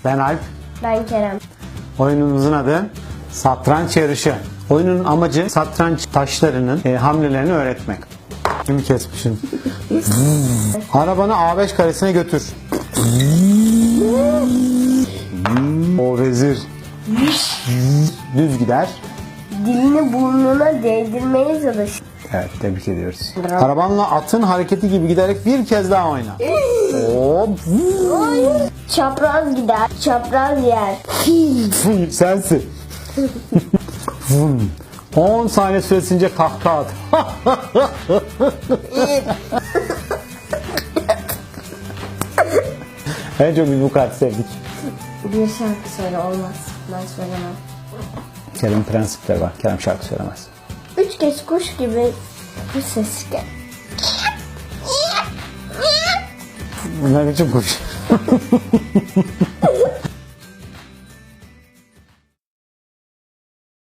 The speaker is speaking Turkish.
Ben Alp. Ben Kerem. Oyunumuzun adı Satranç Yarışı. Oyunun amacı satranç taşlarının hamlelerini öğretmek. Kimi kesmişim. Arabanı A5 karesine götür. O vezir. Düz gider. Dilini burnuna değdirmeye çalış. Evet, tebrik ediyoruz. Arabanla atın hareketi gibi giderek bir kez daha oyna. Hop. Çapraz gider, çapraz yer. Sensin. 10 saniye süresince kahkaha at. En çok biz bu kartı sevdik. Bir şarkı söyle, olmaz. Ben söylemem. Kerem prensipleri var. Kerem şarkı söylemez. 3 kez kuş gibi bir ses gel. Bunlar için kuş.